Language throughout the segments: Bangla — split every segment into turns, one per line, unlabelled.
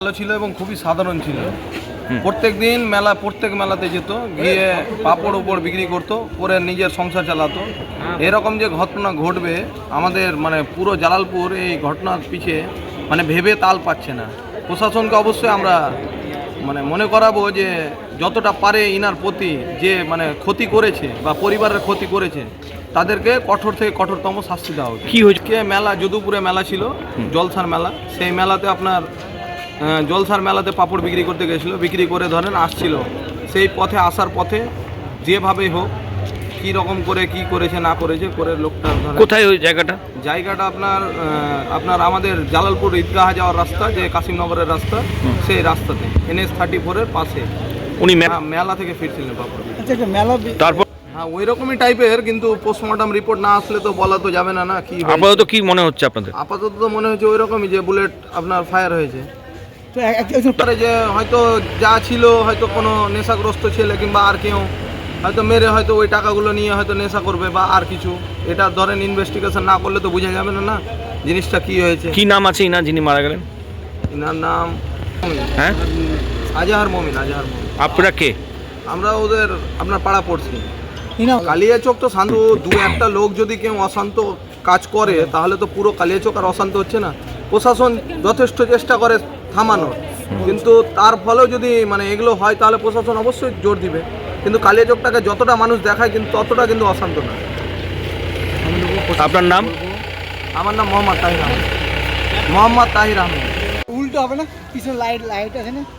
ভালো ছিল এবং খুবই সাধারণ ছিল। প্রত্যেক মেলাতে যেত, গিয়ে পাপড় উপর বিক্রি করতো, করে নিজের সংসার চালাতো। এরকম যে ঘটনা ঘটবে আমাদের মানে পুরো জালালপুর এই ঘটনার পিছে মানে ভেবে তাল পাচ্ছে না। প্রশাসনকে অবশ্যই আমরা মানে মনে করাবো যে যতটা পারে ইনার প্রতি যে মানে ক্ষতি করেছে বা পরিবারের ক্ষতি করেছে তাদেরকে কঠোর থেকে কঠোরতম শাস্তি দেওয়া উচিত।
কি হয়েছে?
মেলা যদুপুরে মেলা ছিল, জলসার মেলা। সেই মেলাতে আপনার জলসার মেলাতে পাপড় বিক্রি করতে গেছিলো, বিক্রি করে ধরেন আসছিল, সেই পথে আসার পথে যেভাবেই হোক কী রকম করে কি করেছে না করেছে করে লোকটা
কোথায় ওই জায়গাটা?
আপনার আমাদের জালালপুর ঈদগাহ যাওয়ার রাস্তা, যে কাশিমনগরের রাস্তা, সেই রাস্তাতে NH-34-এর পাশে
উনি
মেলা থেকে ফিরছিলেন পাপড়।
তারপর
হ্যাঁ ওই রকমই টাইপের, কিন্তু পোস্টমর্টম রিপোর্ট না আসলে তো বলা তো যাবে না কি
আপাতত কি মনে হচ্ছে আপনাদের?
আপাতত তো মনে হচ্ছে ওই রকমই যে বুলেট আপনার ফায়ার হয়েছে। যে হয়তো যা ছিল হয়তো কোনো নেশাগ্রস্ত ছেলে কিংবা আর কেউ হয়তো মেরে হয়তো ওই টাকাগুলো নিয়ে হয়তো নেশা করবে বা আর কিছু। এটা ধরেন ইনভেস্টিগেশন না করলে তো বোঝা যাবে না জিনিসটা কি হয়েছে।
কি নাম আছে ইনার যিনি মারা গেলেন?
ইনার নাম
হ্যাঁ
আজাহার মমিন।
আপনারা কে?
আমরা ওদের আপনার পাড়া পড়ছি। কালিয়াচক তো শান্ত, দু একটা লোক যদি কেউ অশান্ত কাজ করে তাহলে তো পুরো কালিয়াচক আর অশান্ত হচ্ছে না। প্রশাসন যথেষ্ট চেষ্টা করে থামানোর, কিন্তু তার ফলেও যদি মানে এগুলো হয় তাহলে প্রশাসন অবশ্যই জোর দিবে। কিন্তু কালিয়াচকটাকে যতটা মানুষ দেখায় কিন্তু ততটা কিন্তু অশান্ত না।
আপনার নাম?
আমার নাম মোহাম্মদ তাহির আহমেদ।
উল্টো হবে না, পিছনে লাইট আছে না।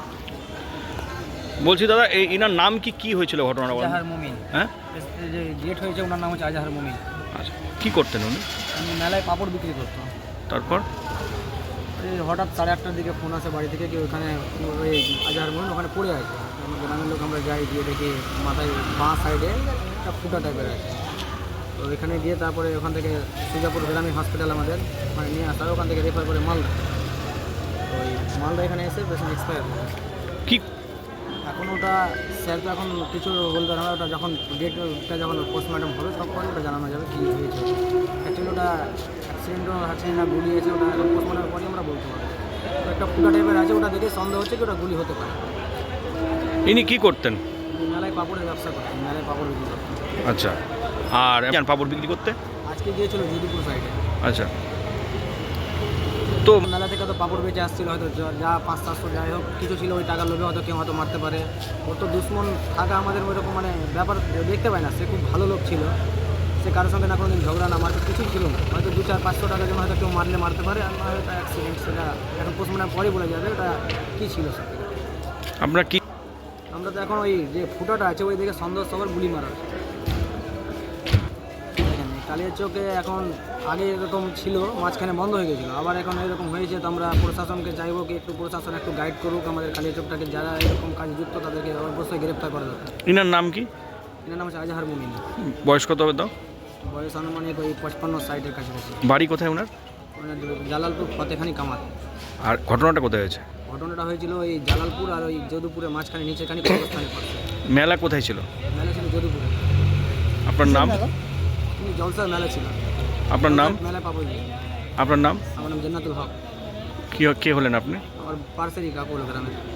বলছি দাদা, এই ইনার নাম কি হয়েছিল ঘটনাটা?
আজাহার মুমিন।
হ্যাঁ,
যে ডেট হয়েছে ওনার নাম হচ্ছে আজাহার মুমিন।
আচ্ছা, কি করতেন উনি?
আমি মেলায় পাপড় বিক্রি করতাম।
তারপর
এই হঠাৎ 8:30টার দিকে ফোন আসে বাড়ি থেকে কি ওখানে ওই আজাহার মুমিন ওখানে পড়ে আছে। গ্রামের লোক আমরা যাই, গিয়ে দেখি মাথায় বাঁ সাইডে একটা ফুটা টাইপের আছে। তো এখানে গিয়ে তারপরে ওখান থেকে সুজাপুর গ্রামীণ হসপিটাল আমাদের মানে নিয়ে আসা, ওখান থেকে রেফার করে মালদা। ওই মালদা এখানে এসে পেশেন্ট এক্সপায়ার।
কি
এখন ওটা স্যার তো এখন কিছু বলবে না, ওটা যখন ডেটটা যখন পোস্টমর্টম হবে তখন ওটা জানানো যাবে কী হয়েছে। অ্যাকচুয়ালি ওটা অ্যাক্সিডেন্টও আছে না গুলি আছে, ওটা এখন পোস্টমর্টমের পরই আমরা বলতে পারবো। একটা ফুটা টাইপের আছে, ওটা দেখে সন্দেহ হচ্ছে কি ওটা গুলি হতে পারে।
ইনি কি করতেন?
মেলায় পাপড়ের ব্যবসা করতেন, মেলায় পাপড় বিক্রি করতেন।
আচ্ছা, আর পাপড় বিক্রি করতে
আজকে গিয়েছিল যদুপুর সাইডে।
আচ্ছা, তো
মেলা থেকে তো পাপড় বেঁচে আসছিল, হয়তো যা 500-700 যাই হোক কিছু ছিল, ওই টাকার লোভে হয়তো কেউ হয়তো মারতে পারে। ওর তো দুশ্মন থাকা আমাদের ওইরকম মানে ব্যাপার দেখতে পাই না। সে খুব ভালো লোক ছিল, সে কারোর সঙ্গে না কোনোদিন ঝগড়া না মারতে কিছুই ছিল না। হয়তো 200-500 টাকার জন্য হয়তো কেউ মারতে পারে, আর না হয়তো অ্যাক্সিডেন্ট। সেটা এখন পোস্টমর্টম পরে বলে যাবে ওটা কী ছিল।
আমরা কি
আমরা তো এখন ওই যে ফুটাটা আছে ওই দিকে সন্দেহ সবার গুলি মারা। কালিয়াচকে এখন আগে এরকম ছিল, মাঝখানে বন্ধ হয়ে গেছিলো, আবার এখন এরকম হয়েছে। তো আমরা প্রশাসনকে চাইবো কি একটু প্রশাসন একটু গাইড করুক আমাদের কালিয়াচকটাকে, যারা এরকম কাজে যুক্ত তাদেরকে অবশ্যই গ্রেপ্তার করা দরকার।
ইনার নাম কি?
এনার নাম হচ্ছে আজাহার মুমিন।
বয়স কত হবে দাও?
বয়স আনুমানিক ওই 55-60-এর কাছাকাছি।
বাড়ি কোথায় ওনার?
জালালপুর ফতেখানি কামাত।
আর ঘটনাটা কোথায় হয়েছে?
ঘটনাটা হয়েছিল ওই জালালপুর আর ওই যদুপুরের মাঝখানে নিচেখানি কবরস্থানে পড়ছে।
মেলা কোথায় ছিল?
মেলা ছিল যদুপুরে।
আপনার নাম?
তিনি জলসার মেলা ছিল।
আপনার নাম?
মেলায় পাবো।
আপনার নাম?
আমার নাম জান্নাতুল হক।
কে হলেন আপনি?
আমার পার্সেরই কাকু হলো গ্রামের।